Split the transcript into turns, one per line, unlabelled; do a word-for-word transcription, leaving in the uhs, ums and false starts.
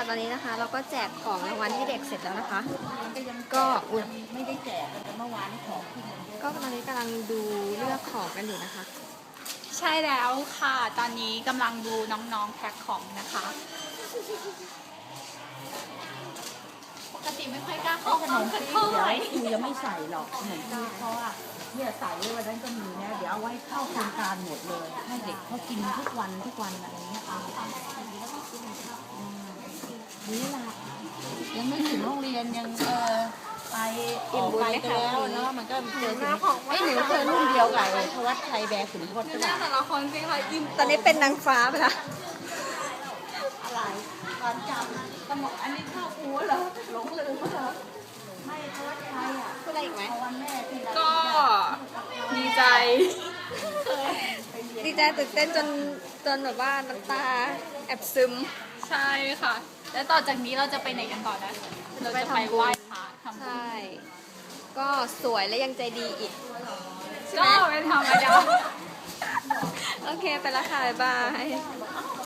ตอนนี้นะคะเราก็แจกของรางวัลให้เด็กเสร็จแล้วนะคะ ก็อุ๊ย
ไม่ได้แจกแต่เมื่อวานของที่มันเยอะ
ก็ตอนนี้กำลังดูเลือกของกันอยู่นะคะ
ใช่แล้วค่ะ ตอนนี้กำลังดูน้องๆแพ็คของนะคะ ปกติไม่ค่อยกล้าเข้า
ข
ห้
น
อง
ม
กัน
ปี๊บ
เท่า
เดี๋
ไห
ยว
ร่
ครูยังไม่ใส่หรอกขนมปี๊บเพราะว่าเนี่ยใส่ไว้วันนั้นก็มีนะเดี๋ยวเอาไว้เข้าโครงการหมดเลย ให้เด็กเขากินทุกวันทุกวันอะไรเงี้ยเอาอืมนี่ล่ะยังไม่ถึงโรงเรียนยังเออไปออกไปแล้วเนาะมันก็เจอถึงไอ้หนูเจอรุ่นเดียวกับไอ้ทวัชชัยแบกขุนพจน์
ดู
ก็
หน้า
ได้
แต่ละคนสิคะยิ้มตอนนี้เป็นนางฟ้าไปละ
อะไรตอนจำสมองอันนี้เข้าหูเหรอหลงลืมเหรอไม่ทวัชชัยอ่ะ
พูดอะไรอีกไหม
เอาวันแม่ที่เรา
ก็ดีใจ
ดีใจตื่นเต้นจนจนแบบว่าน้ำตาแอบซึม
ใช่ค่ะ แล้วต่อจากนี้เราจะไปไหนกันต่อนะ เราจะไปไหว้พระทำบุญ
ใช่ ก็สวยและยังใจดีอีก
ก็เป็นธรรมดา
โอเค ไปและค่ะ บ๊ายบาย